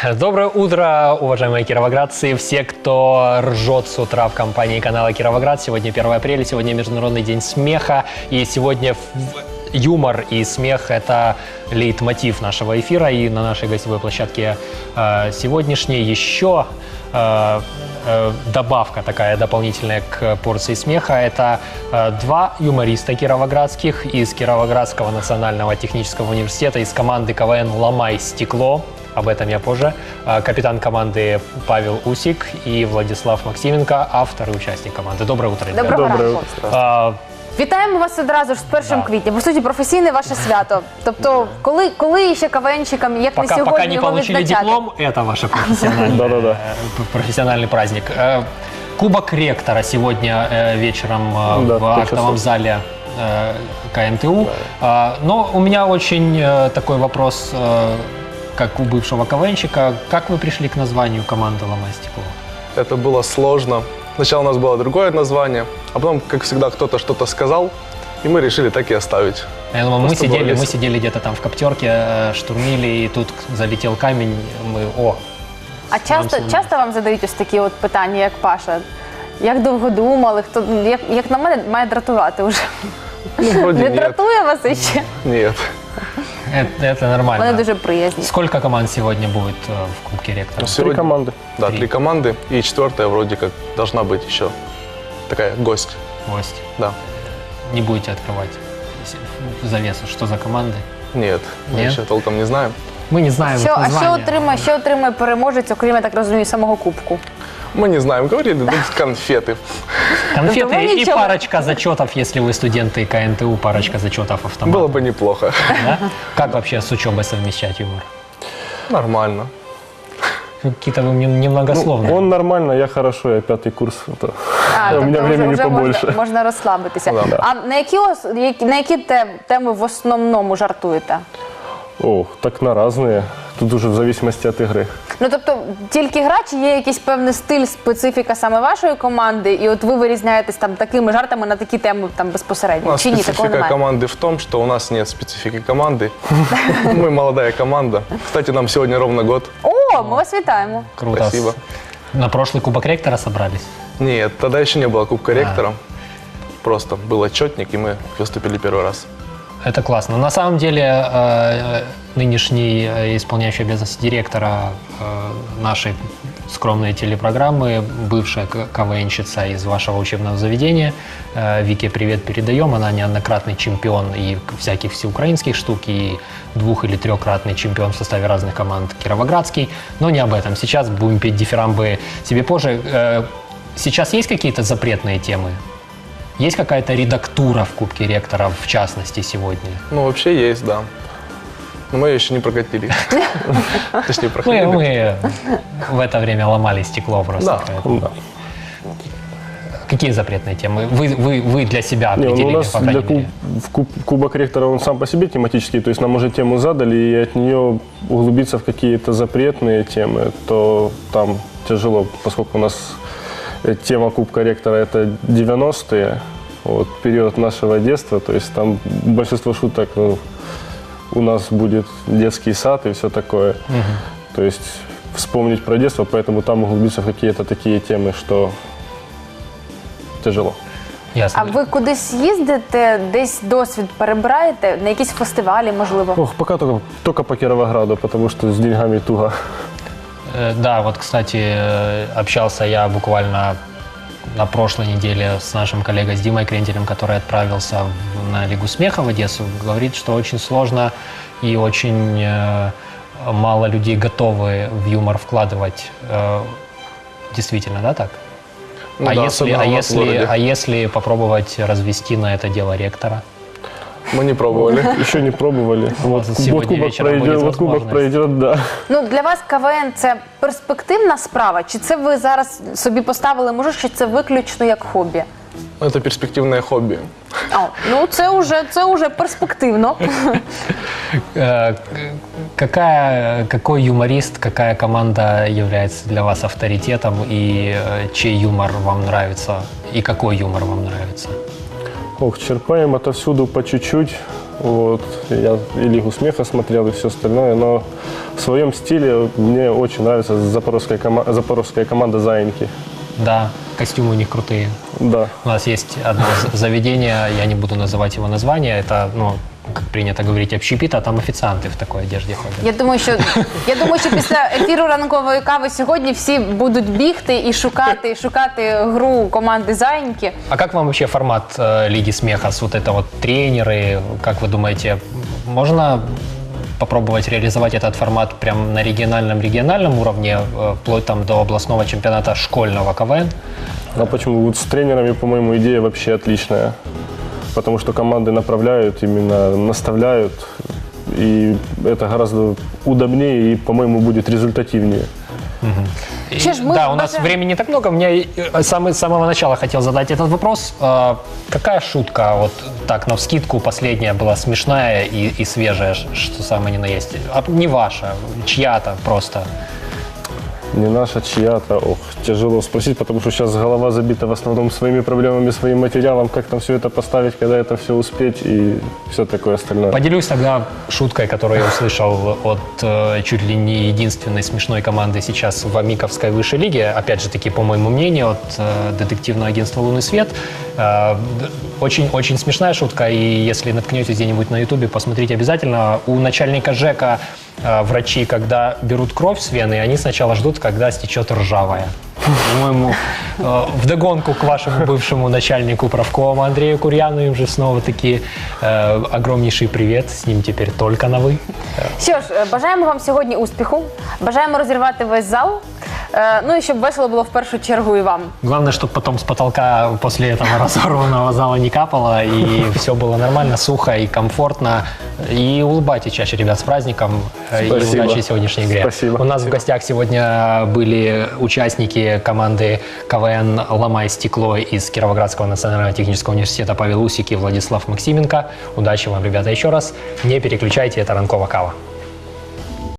Доброе утро, уважаемые кировоградцы, все, кто ржет с утра в компании канала Кировоград. Сегодня 1 апреля, сегодня Международный день смеха, и сегодня юмор и смех – это лейтмотив нашего эфира, и на нашей гостевой площадке сегодняшней еще добавка такая дополнительная к порции смеха. Это два юмориста кировоградских из Кировоградского национального технического университета, из команды КВН «Ломай стекло». Об этом я позже. Капитан команды Павел Усик и Владислав Максименко, автор и участник команди. Доброе утро, ребята. Доброе утро. Вітаємо вас одразу ж з 1 квітня. По суті, професійне ваше свято. Тобто, коли ще КВНщикам, як не сьогодні, пока не його получили відзначати? диплом, это ваш профессиональный праздник. Кубок ректора сегодня вечером в актовом зале КНТУ. Но у меня очень такой вопрос, как у бывшего КВНщика. Как вы пришли к названию команды «Ломай стекло»? Это было сложно. Сначала у нас было другое название, а потом, как всегда, кто-то что-то сказал, и мы решили так и оставить. Я думаю, мы сидели где-то там в коптерке, штурмили, и тут залетел камень, А часто вам задають ось такі от питання, як Паша? Як довго думали? Як на мене, має дратувати вже. Не дратує вас іще? Нет. Это нормально. Вони дуже приязні. Сколько команд сегодня будет в Кубке ректора? Сегодня... 3 команды. Да, 3 команды, и 4-я вроде как должна быть еще такая гость. Гость. Да. Не будете открывать завесу, что за команды? Нет, мы Нет? еще толком не знаем. Мы не знаем их А названия. що отримає переможець, окрім, я так розумію, самого кубку? Мы не знаем, говорили, дадут конфеты. Конфеты Ну, и ничего. парочка зачетов, если вы студенты КНТУ, парочка зачетов автомата. Было бы неплохо. Да? Как вообще с учебой совмещать юмор? Нормально. Какие-то вы немногословные. Он нормально, я хорошо, я 5-й курс. У меня тобто времени вже побольше. можна розслабитися. Да. А на які теми в основному жартуєте? О, так на разные. Тут уже в зависимости от игры. Ну, тобто, тільки гра, чи є якийсь певний стиль, специфіка саме вашої команди, і от ви вирізняєтесь там такими жартами на такі теми там У безпосередньо? нас Чи ні, такого специфика немає? команды в том, что у нас нет специфики команды. Мы молодая команда. Кстати, нам сегодня ровно год. О, ми вас вітаємо. Круто. Спасибо. На прошлый Кубок ректора собрались? Нет, тогда еще не было Кубка ректора. Просто был отчетник, и мы выступили 1-й раз. Это классно. На самом деле, нынешний исполняющий обязанности директора нашей скромной телепрограммы, бывшая КВНщица из вашего учебного заведения, Вике привет передаем. Она неоднократный чемпион и всяких всеукраинских штук, и 2- или 3-кратный чемпион в составе разных команд кировоградский. Но не об этом. Сейчас будем петь дифирамбы себе позже. Сейчас есть какие-то запретные темы? Есть какая-то редактура в Кубке ректора, в частности, сегодня? Ну, вообще есть, да. Но мы ее еще не прокатили. Точнее, проходили. Мы в это время ломали стекло просто. Да. Поэтому. Да. Какие запретные темы? Вы для себя Не, определили, у нас по крайней мере? Кубок ректора, он сам по себе тематический, то есть нам уже тему задали, и от нее углубиться в какие-то запретные темы, то там тяжело, поскольку у нас тема Кубка ректора – это 90-е, вот, период нашего детства, то есть там большинство шуток, у нас будет детский сад и все такое. То есть вспомнить про детство, поэтому там углубиться в какие-то такие темы, что тяжело. Ясно. А ви кудись їздите, десь досвід перебираєте, на якісь фестивалі, можливо? Ох, пока только по Кировограду, потому что с деньгами туго. Да, вот, кстати, общался я буквально на прошлой неделе с нашим коллегой, с Димой Крентелем, который отправился на Лигу смеха в Одессу. Говорит, что очень сложно и очень мало людей готовы в юмор вкладывать. Действительно, да, так? Ну да, особенно у нас в городе. А если попробовать развести на это дело ректора? Мы не пробовали. Еще не пробовали. Вот Сегодня вечером будет вот кубок возможность. пройдет, да. Ну, для вас КВН – це перспективна справа? Чи це ви зараз собі поставили, може, що це виключно як хобі? Это перспективное хобби. Ну, це уже перспективно. Какой юморист, какая команда является для вас авторитетом, и чей юмор вам нравится, и какой юмор вам нравится? Ох, черпаем отовсюду по чуть-чуть. Вот. Я и Лигу смеха смотрел, и все остальное. Но в своем стиле мне очень нравится запорожская команда «Заиньки». Да, костюмы у них крутые. Да. У нас есть одно заведение, я не буду называть его название, это, ну, как принято говорить, общепит, а там офіціанти в такій одежді ходять. Я думаю, що після ефіру ранкової кави сьогодні всі будуть бігти і шукати гру команди «Заиньки». А как вам вообще формат Лиги смеха? Вот это вот тренеры, как вы думаете, можно попробовать реализовать этот формат прям на региональном уровне, вплоть там до областного чемпионата школьного КВН? А почему? Вот с тренерами, по-моему, идея вообще отличная. Потому что команды направляют, именно наставляют. И это гораздо удобнее и, по-моему, будет результативнее. Що ж, ми Да, у нас бажаємо- времени не так много. Мне с самого начала хотел задать этот вопрос. Какая шутка, вот так, навскидку, последняя была смешная и свежая, что самое ни на есть? Не ваша, чья-то просто. Не наша, чья-то. Ох, тяжело спросить, потому что сейчас голова забита в основном своими проблемами, своим материалом, как там все это поставить, когда это все успеть и все такое остальное. Поделюсь тогда шуткой, которую я услышал от чуть ли не единственной смешной команды сейчас в Амиковской высшей лиге. Опять же таки, по моему мнению, от детективного агентства «Лунный свет». Очень смешная шутка, и если наткнетесь где-нибудь на ютубе, посмотрите обязательно. У начальника ЖЭКа врачи, когда берут кровь с вены, они сначала ждут, когда стечет ржавая. По-моему, вдогонку к вашему бывшему начальнику правкома Андрею Курьяну им же снова-таки огромнейший привет, с ним теперь только на «вы». Що ж, бажаємо вам сьогодні успіху, бажаємо розірвати весь зал, ну і щоб весело було в першу чергу і вам. Главное, чтобы потом с потолка после этого разорванного зала не капало, и все было нормально, сухо и комфортно. И улыбайтесь чаще, ребят, с праздником. И Спасибо. удачи в сегодняшней игре. Спасибо. У нас в гостях сегодня были участники команды КВН «Ломай стекло» из Кировоградского национального технического университета Павел Усик и Владислав Максименко. Удачи вам, ребята, еще раз. Не переключайте, это «Ранкова кава».